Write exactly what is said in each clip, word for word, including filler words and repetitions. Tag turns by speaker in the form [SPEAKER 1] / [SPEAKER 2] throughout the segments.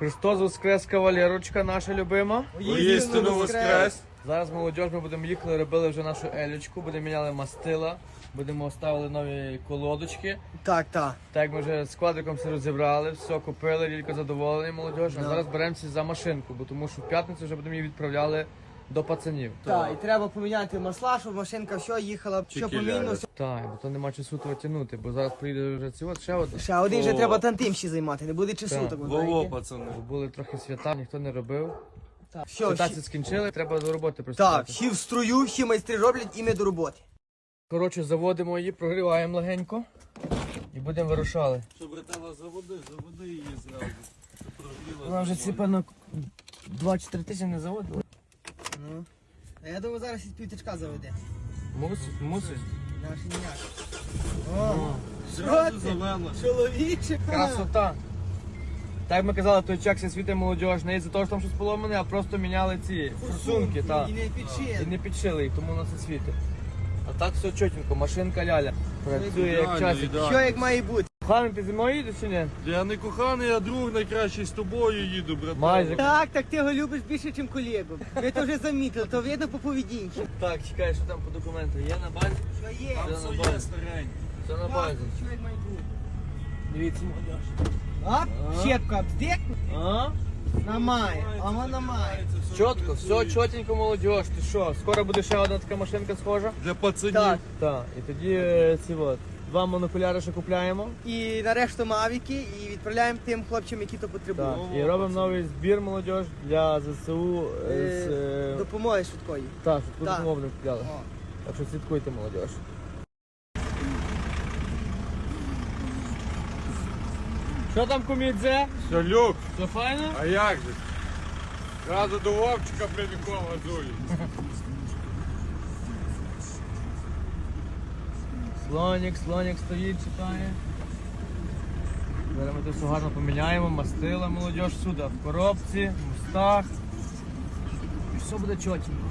[SPEAKER 1] Христос воскрес, кавалерочка наша любима.
[SPEAKER 2] Воістину воскрес.
[SPEAKER 1] Зараз молодіж, ми будемо їхали, робили вже нашу елючку, будемо міняли мастила, будемо ставили нові колодочки.
[SPEAKER 3] Так, так.
[SPEAKER 1] Так як ми вже з квадриком все розібрали, все купили, Лілько задоволений молодіж. А зараз беремося за машинку, бо тому що в п'ятницю вже будемо її відправляли до пацанів.
[SPEAKER 3] Так, і треба поміняти масла, щоб машинка все їхала, все помінно. Все.
[SPEAKER 1] Так, бо то нема часу того тягнути, бо зараз приїде вже ці от ще одне.
[SPEAKER 3] Ще один вже
[SPEAKER 2] О.
[SPEAKER 3] треба тантим ще займати, не буде часу
[SPEAKER 1] Так.
[SPEAKER 3] так.
[SPEAKER 2] Во-во, пацани.
[SPEAKER 1] Бо були трохи свята, ніхто не робив.
[SPEAKER 3] Так, все,
[SPEAKER 1] Святаці
[SPEAKER 3] всі,
[SPEAKER 1] скінчили, треба до роботи
[SPEAKER 3] так,
[SPEAKER 1] приступати.
[SPEAKER 3] всі в строю, всі майстри роблять і ми до роботи.
[SPEAKER 1] Коротше, заводимо її, прогріваємо легенько і будемо вирушали.
[SPEAKER 2] Що, братела, заводи, заводи її зразу. Щоб прогріла
[SPEAKER 1] Вона вже ці,
[SPEAKER 2] нормально.
[SPEAKER 1] певно, два-чотири тисячі не заводила.
[SPEAKER 3] Ну. А я думаю, зараз із півтичка заведе.
[SPEAKER 1] Мусить, мусить.
[SPEAKER 3] Наш ніяк. О,
[SPEAKER 2] Зразу
[SPEAKER 3] що ти?
[SPEAKER 2] завела.
[SPEAKER 3] Чоловіче.
[SPEAKER 1] Красота. Так як ми казали, той чек світи молодіж, не із-за того, що там щось поломане, а просто міняли ці форсунки, так.
[SPEAKER 3] І не
[SPEAKER 1] І
[SPEAKER 3] підшили.
[SPEAKER 1] не підшили їх, тому на це світить. А так все чотенько, машинка ляля. Працює як
[SPEAKER 2] Ідеально,
[SPEAKER 1] часик.
[SPEAKER 2] ідеально.
[SPEAKER 3] Що як має бути?
[SPEAKER 1] Хами, ти зі мною їдеш чи ні?
[SPEAKER 2] Я не коханий, а друг найкращий з тобою їду, братела.
[SPEAKER 1] Майже.
[SPEAKER 3] Так, так ти його любиш більше, ніж колегу. Ми то вже замітили, то видно по поведінці.
[SPEAKER 1] Так, чекай, що там по документу. Є на базі?
[SPEAKER 3] Що є?
[SPEAKER 2] Там
[SPEAKER 1] Все
[SPEAKER 2] все
[SPEAKER 1] на
[SPEAKER 2] є
[SPEAKER 1] базі.
[SPEAKER 2] старенько.
[SPEAKER 1] Все на
[SPEAKER 3] Так,
[SPEAKER 1] базі.
[SPEAKER 3] що як має бути?
[SPEAKER 1] Дивіться, молодіж.
[SPEAKER 3] А? Щепка обдекну?
[SPEAKER 1] А?
[SPEAKER 3] Намає, а вона має.
[SPEAKER 1] Чітко, все чотенько, молодіж. Ти що, скоро буде ще одна така машинка схожа?
[SPEAKER 2] Для пацанів.
[SPEAKER 3] Так.
[SPEAKER 1] Так, і тоді е, ці от, два монокуляри ще купляємо.
[SPEAKER 3] І нарешті мавіки, і відправляємо тим хлопцям, які то
[SPEAKER 1] Так,
[SPEAKER 3] потребують.
[SPEAKER 1] і робимо новий збір молодіж для ЗСУ е, з...
[SPEAKER 3] Е,
[SPEAKER 1] е,
[SPEAKER 3] Допомоги швидкої.
[SPEAKER 1] Так, щоб
[SPEAKER 3] Так.
[SPEAKER 1] допомогу купляли.
[SPEAKER 3] О.
[SPEAKER 1] Так що слідкуйте, молодіж. Що там, кумідзе?
[SPEAKER 2] Все, люк.
[SPEAKER 1] Все файно?
[SPEAKER 2] А як же? Зразу до Вовчика прямиком газує.
[SPEAKER 1] Слонік, слонік стоїть, чекає. Зараз ми тут все гарно поміняємо, мастила молодіж сюди, в коробці, в мостах. І все буде чотенько.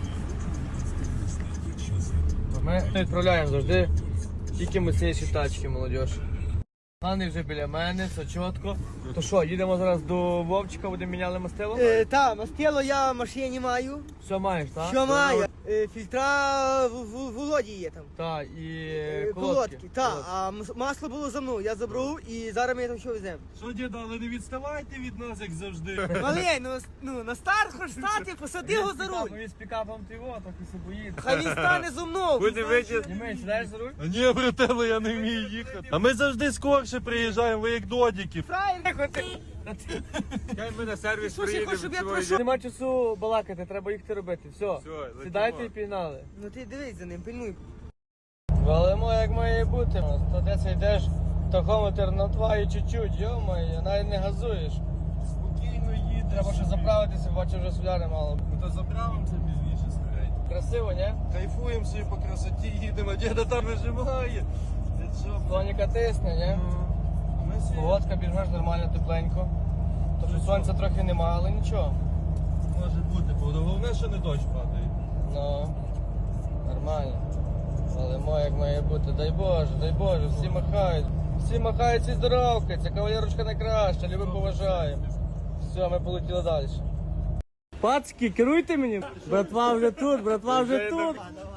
[SPEAKER 1] Ми відправляємо завжди тільки міцніші тачки, молодіж. Ганий вже біля мене, все чітко. То що, їдемо зараз до Вовчика, будемо міняли мастило?
[SPEAKER 3] Е, та, мастило я в машині маю.
[SPEAKER 1] Все маєш, так?
[SPEAKER 3] Що маю? Е, фільтра в, в, Володі є там.
[SPEAKER 1] Так, і
[SPEAKER 3] Е,
[SPEAKER 1] колодки.
[SPEAKER 3] Колодки. Так, а мас- масло було за мною, я забрав і зараз ми там що веземо.
[SPEAKER 2] Що, діда, але не відставайте від нас, як завжди.
[SPEAKER 3] Малей, ну, с- ну на старт хоч стати, посади його за руль.
[SPEAKER 1] Він з пікапом ти його, так і се боїться.
[SPEAKER 3] Хай він стане зо мною.
[SPEAKER 2] Буде витяг.
[SPEAKER 1] Не менше, сідаєш за руль?
[SPEAKER 2] А ні, братела, я не вмію їхати. А ми завжди скорше приїжджаємо, ви як додіки.
[SPEAKER 3] Фраєр.
[SPEAKER 2] Хай ми на сервіс
[SPEAKER 3] Слушай, приїдемо, хоч, щоб я пройшов.
[SPEAKER 1] Нема часу балакати, треба їхати робити. Все,
[SPEAKER 2] летимо.
[SPEAKER 1] сідайте і пігнали.
[SPEAKER 3] Ну ти дивись за ним, пильнуй.
[SPEAKER 1] Валимо як має бути. То де це йдеш, тахометр на два і чуть-чуть, йо-моє, навіть не газуєш.
[SPEAKER 2] Спокійно їдеш.
[SPEAKER 1] Треба ще заправитися, бачу вже соляри мало.
[SPEAKER 2] Ми то заправимося пізніше старенько.
[SPEAKER 1] Красиво, ні?
[SPEAKER 2] Кайфуємо собі по красоті, їдемо, діда там вижимає. Це що?
[SPEAKER 1] Слоніка тисне, ні?
[SPEAKER 2] Ми собі
[SPEAKER 1] Погодка більш-менш нормально, тепленько. То що сонця трохи нема, але нічого.
[SPEAKER 2] може бути, бо головне, що не дощ падає.
[SPEAKER 1] Ну, нормально. Але моє як має бути, дай Боже, дай Боже, всі махають. Всі махають, всі здоровкаються, кавалерочка найкраща, любим поважаємо. Все, ми полетіли далі. Пацки, керуйте мені. Братва вже тут, братва вже тут.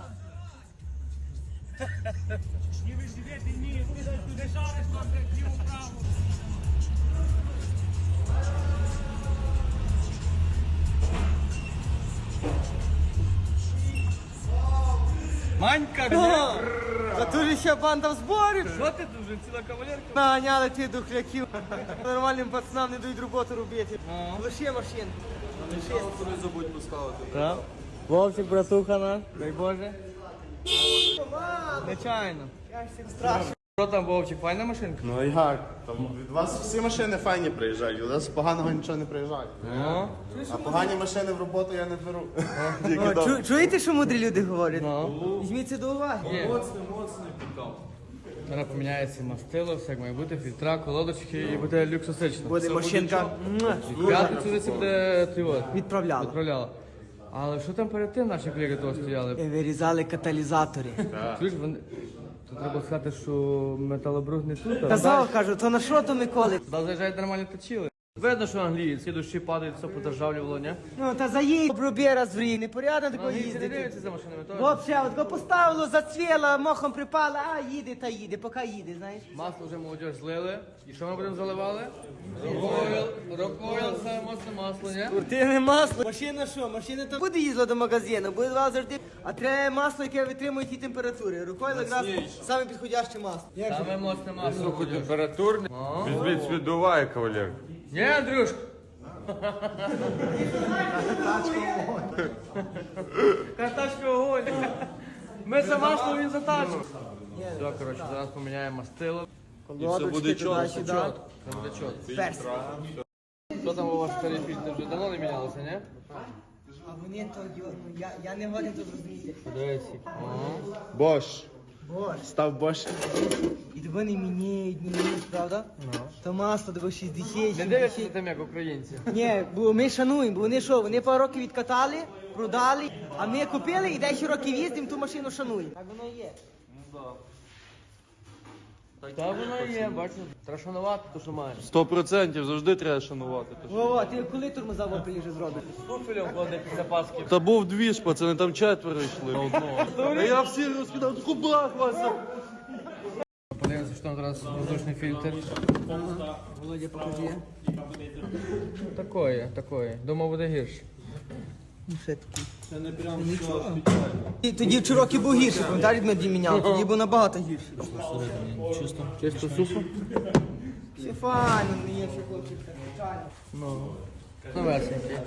[SPEAKER 1] Манька,
[SPEAKER 3] О, а тут же ще банда в зборі.
[SPEAKER 1] що ти тут вже ціла кавалерка?
[SPEAKER 3] Наганяли ти духляків. Нормальним пацанам не дають роботу робити.
[SPEAKER 1] Ну.
[SPEAKER 3] Лише машин.
[SPEAKER 2] Не забудь поставити.
[SPEAKER 1] Так. Вовчик, братуха наш, дай Боже. Нечайно.
[SPEAKER 3] Страшно.
[SPEAKER 1] Що там, Вовчик, файна машинка?
[SPEAKER 4] Ну і як? Там від вас всі машини файні приїжджають, від вас поганого нічого не приїжджає.
[SPEAKER 1] Ну,
[SPEAKER 4] А погані машини в роботу я не беру.
[SPEAKER 3] О,
[SPEAKER 4] Тільки
[SPEAKER 3] чу-
[SPEAKER 4] добре.
[SPEAKER 3] чуєте, що мудрі люди говорять?
[SPEAKER 1] ну.
[SPEAKER 3] Візьміть це до уваги.
[SPEAKER 1] Є.
[SPEAKER 2] Моцний, моцний пікап.
[SPEAKER 1] Зараз поміняється мастило, все як має бути, фільтра, колодочки і буде люксосично.
[SPEAKER 3] Буде машинка муа,
[SPEAKER 1] В п'ятницю вже це буде ти от,
[SPEAKER 3] відправляла.
[SPEAKER 1] відправляла. Але що там перед тим наші колеги того стояли?
[SPEAKER 3] Е, Вирізали каталізатори.
[SPEAKER 1] Чуєш, вони... Тут треба сказати, що металобрух не тут, а
[SPEAKER 3] Казав, кажу, то на що то Миколи?
[SPEAKER 1] туди заїжджають нормально точили. Видно, що англієць, ці дощі падають, все подержавлювало, ні?
[SPEAKER 3] Ну, та заїдь, оброби раз в рік, непорядно такого
[SPEAKER 1] Англійці не
[SPEAKER 3] їздити.
[SPEAKER 1] дивляться за машинами, теж.
[SPEAKER 3] Вообще, от го поставило, зацвіло, мохом припало, а їде та їде, поки їде, знаєш.
[SPEAKER 1] Масло вже молодь злили. І що ми будемо заливали? Рокойл, рокойл, саме моцне масло, ні?
[SPEAKER 3] Спортивне масло. Машина що? Машина то буде їздила до магазину, буде вас завжди. А треба масло, яке витримує ті температури. Рукою якраз саме підходяще масло. Як же?
[SPEAKER 1] Саме моцне масло.
[SPEAKER 2] Температурний. Візьміть свідуває, кавалер.
[SPEAKER 1] Ні, Андрюшка? Карташка огонь. Ми за масло, він за тачку. Все, коротше, зараз поміняємо мастило.
[SPEAKER 3] Колодочки
[SPEAKER 2] буде чітко,
[SPEAKER 3] туди-сюди.
[SPEAKER 1] Це буде чот.
[SPEAKER 3] Перс.
[SPEAKER 1] Що там у вас старі фільтри? Вже давно не мінялося, ні?
[SPEAKER 3] А вони то, йо, ну, я, я не годен тут розуміти.
[SPEAKER 1] Подивіться. Ага.
[SPEAKER 4] Бош.
[SPEAKER 3] Боже.
[SPEAKER 4] Став Бош.
[SPEAKER 3] І того не міняють, не міняють, правда? То масло, того шістдесят,
[SPEAKER 1] Не дивляться
[SPEAKER 3] сімдесят.
[SPEAKER 1] за тим, як українці.
[SPEAKER 3] Ні, бо ми шануємо, бо вони що, вони пару років відкатали, продали, а ми купили і десять років їздимо, ту машину шануємо. Так воно і є.
[SPEAKER 1] Так воно і є, бачите. Треба шанувати, то що маєш.
[SPEAKER 2] Сто процентів завжди треба шанувати.
[SPEAKER 3] Вова, ти коли тормоза в опелі вже зробиш?
[SPEAKER 1] Профілем ходить після Пасхи.
[SPEAKER 2] Та був дві ж, пацани, там четверо йшли на одного. А я всі розкидав, кубах вас.
[SPEAKER 1] Подивимося, що там зараз воздушний фільтр.
[SPEAKER 3] Володя, покажи.
[SPEAKER 1] Такое, такое. Думав, буде гірше.
[SPEAKER 3] Ну, ще такий. Це не прям нічого. Тоді в Чирокі був гірший, пам'ятаєш, ми міняв, тоді був набагато гірший.
[SPEAKER 1] Чисто. Чисто сухо?
[SPEAKER 3] Все файно, не є, все хлопчик. звичайно.
[SPEAKER 1] Ну. Новесенький.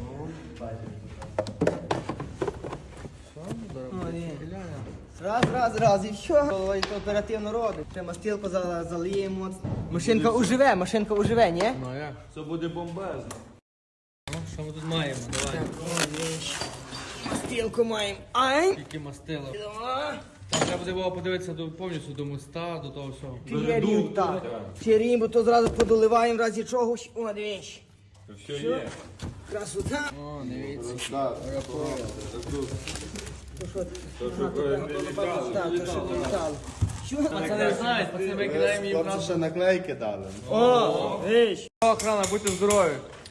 [SPEAKER 3] Ну, ні. Раз, раз, раз, і все. Володя оперативно робить. Ще мастилку за- залиємо. Машинка уживе, машинка уживе, ні?
[SPEAKER 1] Ну, а як?
[SPEAKER 2] Це буде бомбезно.
[SPEAKER 1] Ну, що ми тут маємо? Давай.
[SPEAKER 3] Мастилку маємо. Ай!
[SPEAKER 1] Тільки мастило. Там треба буде було подивитися до, повністю до моста, до того всього.
[SPEAKER 3] Фірім, так. Фірім, бо то зразу подоливаємо в разі чогось. О, дивись.
[SPEAKER 2] Все є.
[SPEAKER 3] Красота.
[SPEAKER 1] О, дивіться.
[SPEAKER 3] То що? Ага, то так, то що політало. Що?
[SPEAKER 1] Пацани знають, пацани ми кидаємо їм
[SPEAKER 4] Хлопці
[SPEAKER 1] разом.
[SPEAKER 4] ще наклейки дали.
[SPEAKER 3] О, виш.
[SPEAKER 1] Охрана, будьте здорові.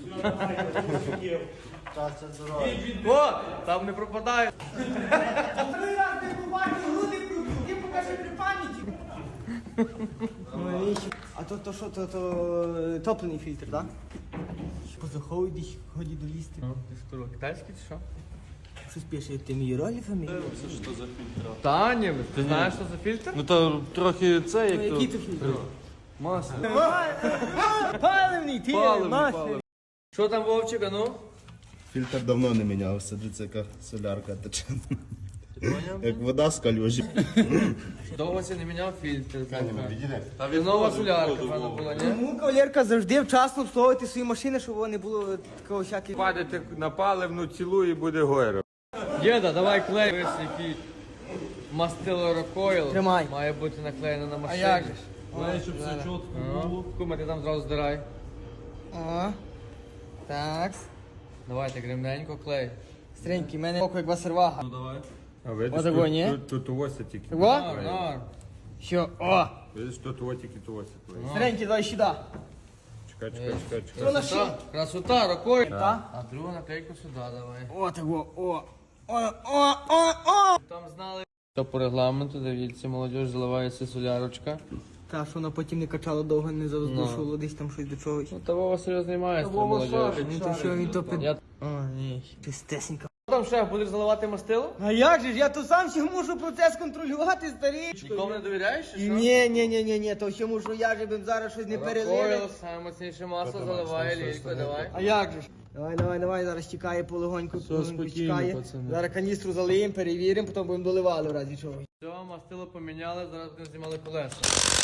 [SPEAKER 1] О, там не пропадає.
[SPEAKER 3] Три рази побачив, груди пробив, ти покажи при пам'яті. Ну, виш. А то, то що, то, то топлений фільтр, так? Позаховуй десь, ході долізти.
[SPEAKER 1] Китайський чи що?
[SPEAKER 3] Щось пише, ти мій ролі
[SPEAKER 2] Це що за фільтр?
[SPEAKER 1] Та ні, ти знаєш, що за фільтр?
[SPEAKER 2] Ну то трохи це, як
[SPEAKER 3] Який
[SPEAKER 2] то...
[SPEAKER 3] то фільтр?
[SPEAKER 2] Масло.
[SPEAKER 3] Паливний, ти
[SPEAKER 2] Паливний,
[SPEAKER 3] масло.
[SPEAKER 2] паливний.
[SPEAKER 1] Що там, Вовчик, а ну?
[SPEAKER 4] Фільтр давно не мінявся, дивіться, яка солярка тече. Як вода з калюжі.
[SPEAKER 1] Довго це не міняв фільтр.
[SPEAKER 2] Та
[SPEAKER 1] Це нова солярка, певно, була, ні?
[SPEAKER 3] Тому кавалерка завжди вчасно обслуговувати свої машини, щоб не було такого всякого.
[SPEAKER 5] Падайте на паливну цілу і буде гойро.
[SPEAKER 1] Діда, давай клей. Ось який мастило рокойл.
[SPEAKER 3] Тримай.
[SPEAKER 1] Має бути наклеєно на машині.
[SPEAKER 3] як же ж?
[SPEAKER 2] Має, щоб все чітко було.
[SPEAKER 1] Кума, ти там зразу здирай.
[SPEAKER 3] О, так.
[SPEAKER 1] Давайте, гримненько, клей.
[SPEAKER 3] Стренький, в мене око як васервага.
[SPEAKER 2] Ну давай.
[SPEAKER 5] А видиш,
[SPEAKER 3] Отако,
[SPEAKER 5] тут,
[SPEAKER 3] ні?
[SPEAKER 5] тут, тут ось тільки.
[SPEAKER 3] Во?
[SPEAKER 1] Нар, нар.
[SPEAKER 3] Що? О,
[SPEAKER 5] Видиш, тут ось тільки тут ось.
[SPEAKER 3] стренький, давай сюди.
[SPEAKER 5] Чекай, чекай, чекай, чекай.
[SPEAKER 3] Що на що?
[SPEAKER 1] Красота, красота, рокойл.
[SPEAKER 3] Так.
[SPEAKER 1] А другу наклейку сюди давай.
[SPEAKER 3] О, того, о. О, о, о, о.
[SPEAKER 1] Там знали. Що по регламенту, дивіться, молодь заливається солярочка.
[SPEAKER 3] Та, що вона потім не качала довго, не завоздушувало десь там щось до чогось.
[SPEAKER 1] Ну, та Вова серйозний майстер, молодь.
[SPEAKER 3] Ну то що він то під...
[SPEAKER 1] Я...
[SPEAKER 3] О, ні, чистесенька.
[SPEAKER 1] Там шеф, будеш заливати мастило?
[SPEAKER 3] А як же ж, я то сам ще мушу процес контролювати, старічко.
[SPEAKER 1] Нікому не довіряєш, чи що?
[SPEAKER 3] Ні, ні, ні, ні, ні, то ще мушу я же б зараз щось не перелили.
[SPEAKER 1] Рокойл, саме мощніше масло заливає, лілько, давай.
[SPEAKER 3] А як же ж? Давай, давай, давай, зараз чекає полегоньку, полегоньку
[SPEAKER 1] спокійно,
[SPEAKER 3] чекає.
[SPEAKER 1] пацани.
[SPEAKER 3] Зараз каністру залиємо, перевіримо, потім будемо доливали в разі чого.
[SPEAKER 1] Все, мастило поміняли, зараз будемо знімали колеса.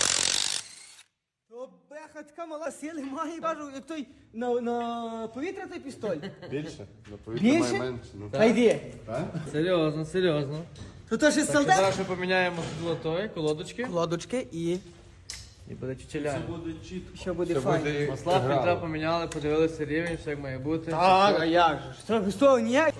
[SPEAKER 3] То беха така мала сили має, кажу, як той на, на повітря той пістоль.
[SPEAKER 4] Більше?
[SPEAKER 3] Більше? Та йди.
[SPEAKER 1] Серйозно, серйозно.
[SPEAKER 3] То то ще
[SPEAKER 1] Так що
[SPEAKER 3] солдат?
[SPEAKER 1] зараз ще поміняємо золотої, колодочки.
[SPEAKER 3] Лодочки і
[SPEAKER 1] І буде чучеля.
[SPEAKER 2] Буде чітко.
[SPEAKER 3] що буде файно.
[SPEAKER 1] Масла фільтра поміняли, подивилися рівень, все як має бути.
[SPEAKER 3] Так, а як же? Що, що, ніяк?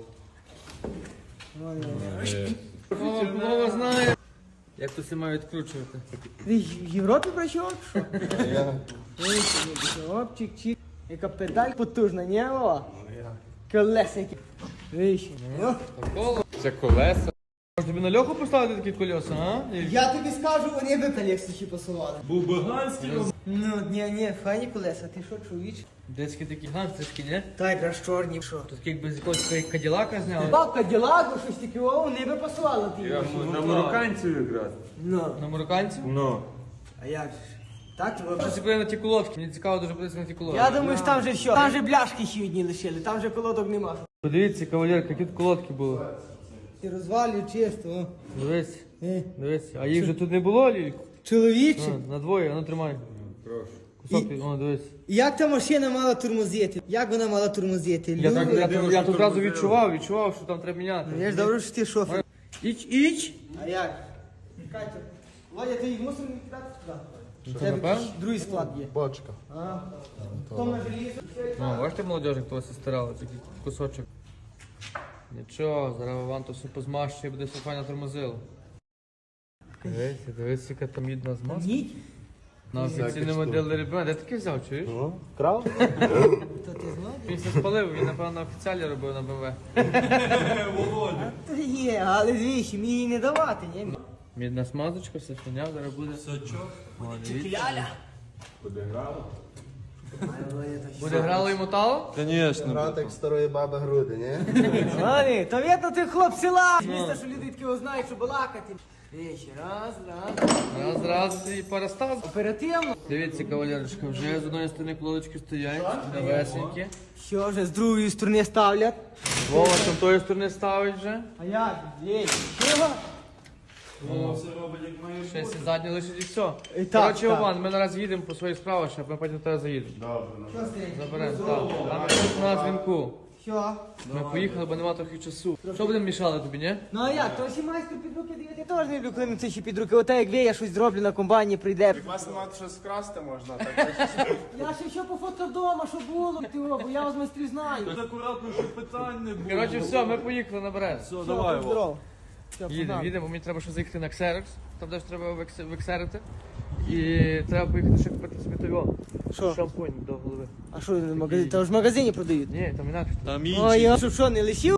[SPEAKER 1] Вова, Вова знає. Як тут все має відкручувати.
[SPEAKER 3] Ти в Європі працював? Що? Опчик, чик. Яка педаль потужна, ні? О? Колеса які. Вище. Ну.
[SPEAKER 1] Коло. Це колеса. Може тобі на льоху поставити такі колеса, а? І-
[SPEAKER 3] Я тобі скажу, вони би колесичі посували.
[SPEAKER 2] Був би ганський.
[SPEAKER 3] Ну, ні, ні, файні колеса, ти що, чоловіч?
[SPEAKER 1] Детські такі гангстерські, ні?
[SPEAKER 3] Та якраз чорні, що?
[SPEAKER 1] Тут якби з якогось каділака зняли.
[SPEAKER 3] Бабка ділагу, щось таке, о, вони би посували ті.
[SPEAKER 5] На марокканців якраз.
[SPEAKER 3] Ну,
[SPEAKER 1] На марокканців?
[SPEAKER 5] Ну.
[SPEAKER 3] а як же ж? Так, ви
[SPEAKER 1] Зацепили на ті колодки. Мені цікаво дуже подивитися на ті колодки.
[SPEAKER 3] Я думаю, що там же все. Там же бляшки ще одні лишили, там же колодок нема.
[SPEAKER 1] Подивіться, кавалерка, які тут колодки були.
[SPEAKER 3] Ти розвалюй чисто, о.
[SPEAKER 1] Дивись,
[SPEAKER 3] Е.
[SPEAKER 1] дивись. А їх же тут не було, Лілько?
[SPEAKER 3] Чоловіче,
[SPEAKER 1] На, на двоє, а ну тримай.
[SPEAKER 5] Прошу.
[SPEAKER 1] Кусок, о, дивись.
[SPEAKER 3] як та машина мала тормозити? Як вона мала тормозити?
[SPEAKER 1] Я, так,
[SPEAKER 3] Люди.
[SPEAKER 1] я, я, я тут одразу відчував, відчував, що там треба міняти.
[SPEAKER 3] Я ж добре, що ти шофер.
[SPEAKER 1] Іч, іч.
[SPEAKER 3] А як? Катя, Владя, ти їх мусив не кидати туди?
[SPEAKER 1] Що,
[SPEAKER 3] Тебе
[SPEAKER 1] напевно?
[SPEAKER 3] якийсь другий склад є.
[SPEAKER 4] Бочка.
[SPEAKER 3] А, хто на желізо?
[SPEAKER 1] Ну, бачите, молодежі, хто вас старали, такий кусочок. Нічого, зараз вам то все позмащує, буде все файно тормозило. Дивіться, дивіться, яка там мідна змазка.
[SPEAKER 3] Ніть?
[SPEAKER 1] На офіційному моделі ребенка. Де таке взяв, чуєш?
[SPEAKER 4] Крав?
[SPEAKER 3] То ти знаєш?
[SPEAKER 1] Він все спалив, він, напевно, на офіціалі робив на БМВ.
[SPEAKER 2] Володя.
[SPEAKER 3] То є, але звісно, мені її не давати, ні?
[SPEAKER 1] Мідна смазочка, все фіня, зараз буде.
[SPEAKER 2] Сачок.
[SPEAKER 1] О, дивіться.
[SPEAKER 3] Ляля.
[SPEAKER 1] Буде грало і мотало?
[SPEAKER 2] Звісно.
[SPEAKER 4] Грати як старої баби груди, ні?
[SPEAKER 3] Ладно, то видно ти хлоп села. Місто, що люди такі знають, що балакати. Вещі, раз, раз.
[SPEAKER 1] Раз, раз і перестав.
[SPEAKER 3] Оперативно.
[SPEAKER 1] Дивіться, кавалерочка, вже з одної сторони колодочки стоять, новесенькі.
[SPEAKER 3] Що вже з другої сторони ставлять?
[SPEAKER 1] Вова з тої сторони ставить вже.
[SPEAKER 3] А як? Лєй, чого?
[SPEAKER 2] Воно все робить як має
[SPEAKER 1] Ще
[SPEAKER 2] бути.
[SPEAKER 1] сі задні лишить і все.
[SPEAKER 3] І так,
[SPEAKER 1] Коротше,
[SPEAKER 3] так.
[SPEAKER 1] Іван, ми наразі їдемо по своїх справах, щоб ми потім до тебе заїдемо.
[SPEAKER 3] Що стоїть?
[SPEAKER 1] Заберемо, так. Там тут на дзвінку.
[SPEAKER 3] Що?
[SPEAKER 1] Ми поїхали, бо нема трохи часу. Що будемо мішали тобі, ні?
[SPEAKER 3] Ну а як? То всі майстер під руки дають. Я теж не люблю, коли це ще під руки. Оте як ви, я щось зроблю на комбайні, прийде.
[SPEAKER 4] Вас немає щось скрасти можна, так?
[SPEAKER 3] Я ще що пофоткав вдома, що було, ти о, бо я вас майстрів знаю.
[SPEAKER 2] Тут акуратно, щоб питань не було.
[SPEAKER 1] Коротше, все, ми поїхали на Брест.
[SPEAKER 2] Все,
[SPEAKER 3] Все,
[SPEAKER 2] давай,
[SPEAKER 3] будь
[SPEAKER 2] Вова.
[SPEAKER 3] здоров. Все,
[SPEAKER 1] Їдемо,
[SPEAKER 3] погнали.
[SPEAKER 1] їдемо, мені треба ще заїхати на Ксерекс. Там теж треба векс- вексерити. І треба поїхати ще купити собі того.
[SPEAKER 3] Що?
[SPEAKER 1] Шампунь до голови.
[SPEAKER 3] А що, в магазині? Та ж в магазині продають.
[SPEAKER 1] Ні, там інакше.
[SPEAKER 2] Там
[SPEAKER 3] Ой,
[SPEAKER 2] інші.
[SPEAKER 3] я що, що, не лишив?